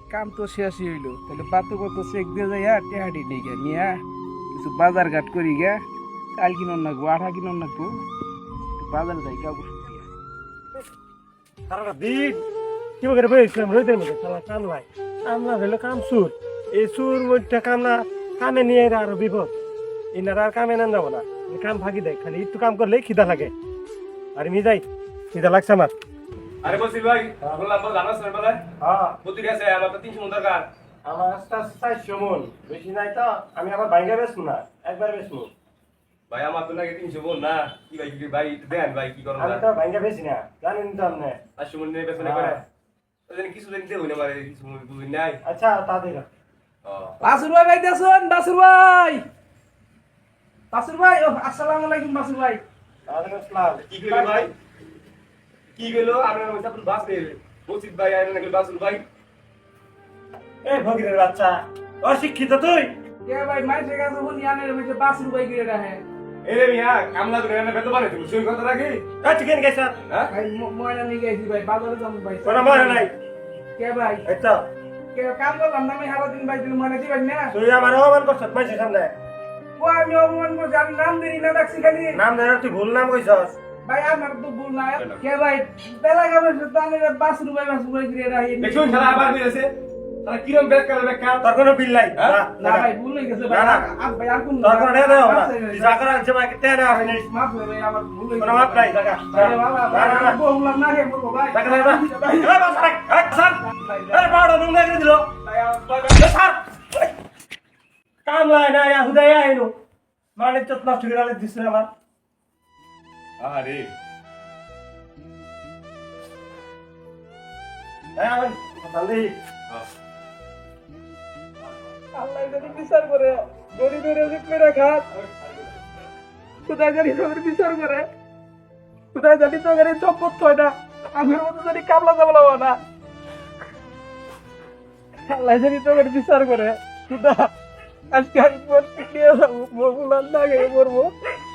কাম তো শেষই হইলো, তাহলে পাতো কত চেক দিয়ে যাই টেহাটি নেই গে নিয়া কিছু বাজার ঘাট করি গে, চাল কিনন নাকবো, আঠা কিনন নাকবো, বাজারে যাই কাপড় শুকিয়ে। সারাটা দিন কি করে বসেছিলাম রোদের মধ্যে, সারা কাম নাই, কাম না হইলো কাম সুর, এই সুর মধ্যে কাম না, কামে নিয়ে এরা আরো বিপদ, এনারা আর কামে নেন যাবো না, কাম ফাঁকি দেয়, খালি একটু কাম করলেই খিদা লাগে, আর আমি যাই, খিদা লাগছে আমার। আরে বসির ভাই, বললাম বল জানাস না বলে? হ্যাঁ প্রতি গেছে আমার তো 300 মন দরকার। আমার আস্তে আস্তে 400 মন, বেশি নাই তো, আমি আবার ভাঙ্গা বেচবো না, একবার বেচবো। ভাই আমার তো নাকি 300 মন না, কি ভাই কি ভাই দেন ভাই কি করব আমি না? তো ভাঙ্গা বেচি না, জানেন তো আপনি। 500 মন নিয়ে বেচনে করে। ওদিন কিছু দিন দেব না মানে কিছু মন বুঝি নাই। আচ্ছা তা দিল। ও বাসুর ভাই বাইতেছেন? বাসুর ভাই, বাসুর ভাই, ও আসসালামু আলাইকুম বাসুর ভাই। ওয়ালাইকুম আসসালাম। কি কইলো ভাই? কি কইলো? আপনার ওই সাপুর বাস নেই। বসির ভাই আইনা নাকি বাসুর ভাই? এই ফকিরের বাচ্চা, অশিক্ষিত তুই। কে ভাই মাইসে গেছে ফোন ইয়ানের মধ্যে বাসুর ভাই গিয়ে রাহে। এরে মিয়া কামলা করে এনে বেতো বানাই তুমি সেই কথা রাখি? চিকেন গেছে হ্যাঁ? ভাই ময়না নিয়ে গেছি ভাই, বাজারে যাবো ভাই। কোনো মনে নাই। কে ভাই? এই তো কে কাম করলাম না আমি সারাদিন ভাই, তুমি ময়না দিবেন না? তুই আমার অপমান করছিস মানুষের সামনে, ও আমি অপমান করছি, আমি নাম দিই না ডাকছি খালি। নাম ধরে তুই ভুল নাম কইছস। ভাই আমার তো ভুল না। কে ভাই বেলা গাবে তাহলে বাসুর ভাই গিয়ে রাহে। দেখুন শালা আবার কইছে। শালা কিরম ব্যাক করে ব্যাক কার? তোর কোনো বিল নাই। হ্যাঁ? না ভাই ভুল হয়ে গেছে ভাই। না, না। ভাই আর কোন তোর কোনো দেও না, তুই যা করার আছে ভাই তে না আপনি। মাফ করে ভাই, আমার ভুল হয়ে কোনো মাপ নাই টাকা। আরে বাবা ভাই বললাম না হে বলবো ভাই। টাকা নাই না। এই বাস রাখ, এই স্যার, এই পাউডার নুন লাগিয়ে দিল। ভাই আমার এই স্যার, কাম লাই না ইয়া হুদাই আইনো, মানে তো নষ্ট করে আলে দিছ আমার। আরে এই আমি তাহলে আল্লাহ যদি বিচার করে গরিবের রিজিক মেরে খাত, খুদাই জানি তোর বিচার করে, খুদাই জানি তোর এই সম্পদ হয় না, আমার মতো জানি কামলা জামলা হয় না, আল্লাহ জানি তোর বিচার করে, খুদা আজকে আমি মরতে নিয়ে যাবো, মরবো না গিয়ে মরবো।